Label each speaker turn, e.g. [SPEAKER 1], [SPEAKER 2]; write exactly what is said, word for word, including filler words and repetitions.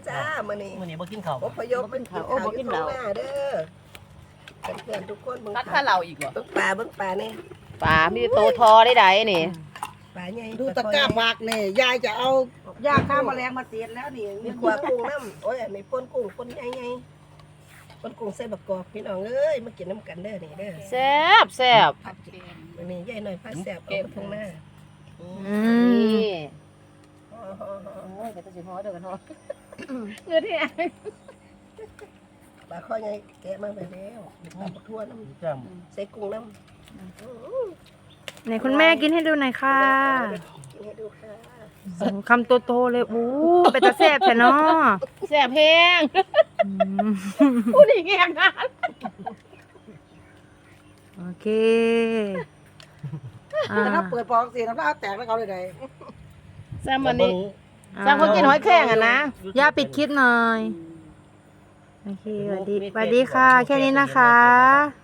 [SPEAKER 1] จ้ามื้อนี้
[SPEAKER 2] มื้อนี้บ่กินข้าว
[SPEAKER 1] อพยพเป็นข้าวอยู่ข้างหน้าเด้อเพื่อนๆทุกคนเบิ่ง
[SPEAKER 3] ตักข้าเราอีกเหรอ
[SPEAKER 1] เบิ่งปลาเบิ่งปลานี่
[SPEAKER 3] ปลามีโตทอได้ใดนี่
[SPEAKER 1] ปลาใหญ่
[SPEAKER 4] ดูตะกร้าบากนี่ยายจะเอายาฆ่าแมลงมาเสียแล้วนี่
[SPEAKER 1] มีขวากุ้งน้ำโอ้ยอันนี้ป่นกุ้งป่นใหญ่ๆป่นกุ้งใส่บักกอกพี่น้องเอ้ยมากินน้ำกันเด้อนี่เด้อ
[SPEAKER 3] แซ่บแซ่บ
[SPEAKER 1] มื้อนี้ยายหน่อยพาแซ่บเอาไปทางหน้า
[SPEAKER 5] อืม
[SPEAKER 3] นี่
[SPEAKER 1] อ๋อ
[SPEAKER 3] โอ้ยแต่สิฮอเด้อกันฮอเงินที่ไหน
[SPEAKER 1] ปลาข้อใหญ่แกะมาไปแล้วปลาบักทั่วน้ำ
[SPEAKER 2] จ้า
[SPEAKER 1] ใส่กุ้งน้ำ
[SPEAKER 5] ไหนคุณแม่กินให้ดูหน่อยค่ะ
[SPEAKER 1] กินให้ดูค่ะ
[SPEAKER 5] โอ้คำโตๆเลยอู้เป็นตาแซ่บแท้เนาะ
[SPEAKER 3] แซ่บแห้ง
[SPEAKER 5] อืม
[SPEAKER 3] ผู้นี่แห้งนะ
[SPEAKER 5] โอเคอ่า
[SPEAKER 4] แต่ถ้าเปิดปอกเสียน้ำลายแตกแล้วเขาเลยได้
[SPEAKER 3] แซ่บวันนี้แซ่บคนกินหอยแครงอ่ะนะ
[SPEAKER 5] ย่าปิดคลิปหน่อยโอเคสวัสดีสวัสดีค่ะ แค่นี้นะคะ